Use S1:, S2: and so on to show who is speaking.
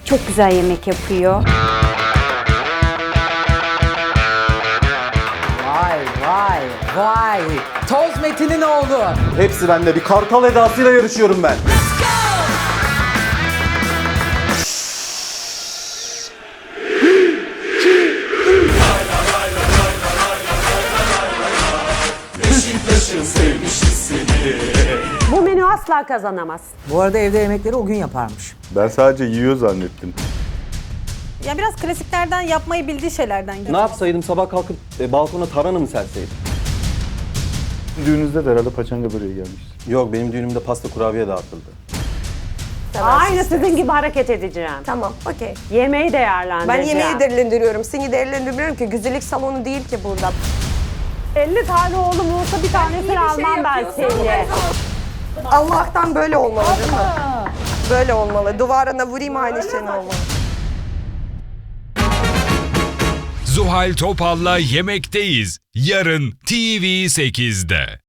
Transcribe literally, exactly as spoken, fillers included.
S1: Çok güzel yemek yapıyor.
S2: Vay vay vay. Toz Metin'in oğlu.
S3: Hepsi bende. Bir kartal edasıyla yarışıyorum ben.
S4: Bu menü asla kazanamaz.
S2: Bu arada evde yemekleri o gün yaparmış.
S3: Ben sadece yiyor zannettim.
S5: Ya biraz klasiklerden, yapmayı bildiği şeylerden gidiyor.
S6: Ne yapsaydım, sabah kalkıp e, balkona tarhana mı serseydim?
S3: Düğününüzde de herhalde paçanga böreği gelmişti.
S6: Yok, benim düğünümde pasta kurabiye dağıtıldı.
S4: Aynı sizin gibi hareket edeceğim.
S7: Tamam, okey.
S4: Yemeği değerlendireceğim.
S7: Ben yemeği değerlendiriyorum, seni değerlendirmiyorum ki güzellik salonu değil ki burada.
S4: elli tane oğlum olsa bir tanesini almam ben seni.
S7: Allah'tan böyle olmalı değil mi? Böyle olmalı. Duvarına vurayım aynı şey olmalı.
S8: Zuhal Topal'la Yemekteyiz. Yarın T V sekizde.